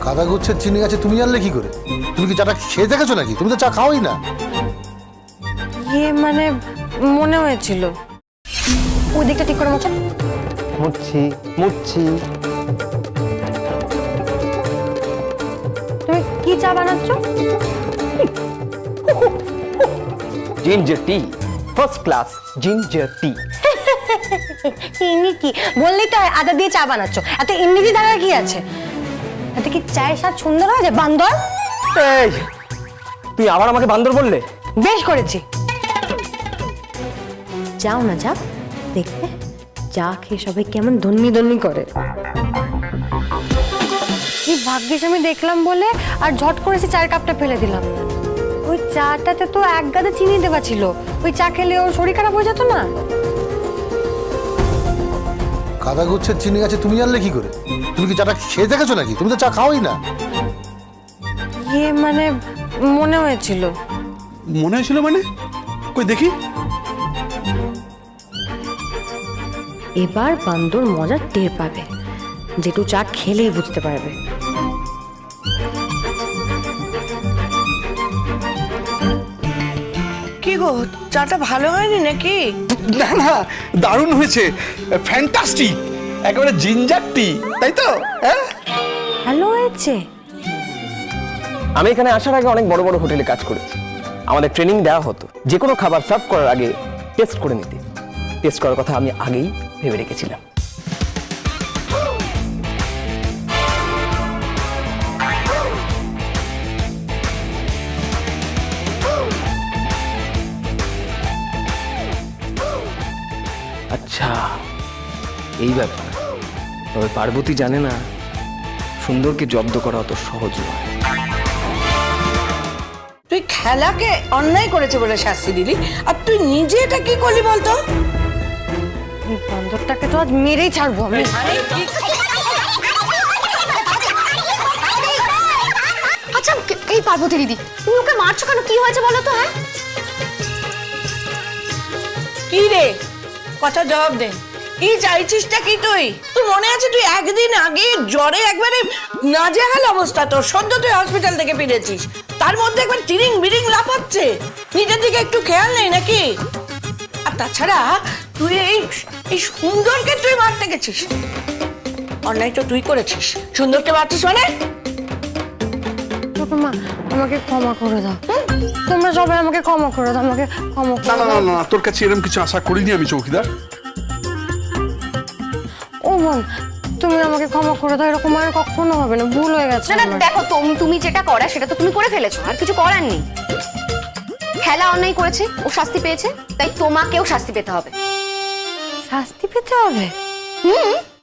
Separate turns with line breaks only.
কাদা গুচ্ছের চিনি আছে তুমি জানলে কি করে? তুমি কি চাটা খেয়ে দেখেছো নাকি? তুমি তো চা খাওয়াই না।
মানে মনে হয়েছিল। ওই দিকটা ঠিক করে মোছো।
মুচ্ছি।
তুমি কি চা বানাচ্ছ?
Ginger tea, first class ginger tea.
ইনি কি বললেই তো আদা দিয়ে চা বানাচ্ছ, এত ইংরেজি দ্বারা কি আছে? এত কি চায়ের স্বাদ সুন্দর হয় যে বান্দর?
এই তুই আবার আমাকে বান্দর বললে?
বেশ করেছি। যাও না যাও, দেখবে চা খেয়ে সবাই কেমন ধন্যি ধন্যি করে। এই ভাগ্যিস আমি দেখলাম বলে আর ঝট করেছি চায়ের কাপটা ফেলে দিলাম। ওই চাটাতে তো এক গাদা চিনি দেওয়া ছিল, ওই চা খেলে ওর শরীর খারাপ হয়ে যেত না?
কাদা গুচ্ছের চিনি আছে তুমি জানলে কি করে? তুমি কি চাটা খেয়ে দেখেছো নাকি? তুমি তো চা খাওয়াই না।
মানে মনে হয়েছিল।
মনে হয়েছিল মানে? কই দেখি।
এবার বান্দর মজা টের পাবে, যেটু চা খেলেই বুঝতে পারবে।
কি গো, চাটা ভালো হয়নি নাকি?
না না, দারুণ হয়েছে, ফ্যান্টাস্টিক, একেবারে জিঞ্জার টি, তাই তো? হ্যাঁ,
ভালো হয়েছে।
আমি এখানে আসার আগে অনেক বড় বড় হোটেলে কাজ করেছি। আমাদের ট্রেনিং দেওয়া হতো যে কোনো খাবার সার্ভ করার আগে টেস্ট করে নিতে। টেস্ট করার কথা আমি আগেই ভেবে রেখেছিলাম। আচ্ছা, এই ব্যাপার। তবে পার্বতী জানে না সুন্দরকে জব্দ করা অত সহজ নয়।
তুই খেলাকে অন্যায় করেছে বলে শাস্তি দিলি, আর তুই নিজে এটা কি করলি বলতো?
এই বান্দরটাকে তো আজ মেরেই ছাড়বো আমি।
আচ্ছা এই পার্বতী দিদি, তুমি ওকে মারছো কেন? কি হয়েছে বলো তো? হ্যাঁ
কি রে, কথা জবাব দে। কি চাইছিসটা কি তুই? তোর মনে আছে তুই একদিন আগে জ্বরে একবারে নাজেহাল অবস্থা, তোর সদ্য তুই হসপিটাল থেকে ফিরেছিস, তার মধ্যে একবার তিরিং বিরিং লাফাচ্ছে, নিজের দিকে একটু খেয়াল নেই নাকি? আর তাছাড়া তুই এই সুন্দরকে তুই মারতে গেছিস, অন্যায় তো তুই করেছিস। সুন্দরকে মারছিস মানে?
ছোট মা, আমাকে ক্ষমা করে দাও। তোমরা সবাই আমাকে ক্ষমা করে দাও, আমাকে ক্ষমা
না
করে
না
দাও।
না না, তোর কাছে এরকম কিছু আশা করিনি আমি, চৌকিদার।
ও বোন, তুমি আমাকে ক্ষমা করে দাও, এরকম আর কখনো হবে না, ভুল হয়ে গেছে
না না,
আমার।
দেখো তুমি যেটা করা সেটা তো তুমি করে ফেলেছো, আর কিছু করার নেই। খেলা অন্যায় করেছে, ও শাস্তি পেয়েছে, তাই তোমাকেও শাস্তি পেতে হবে।
শাস্তি পেতে হবে?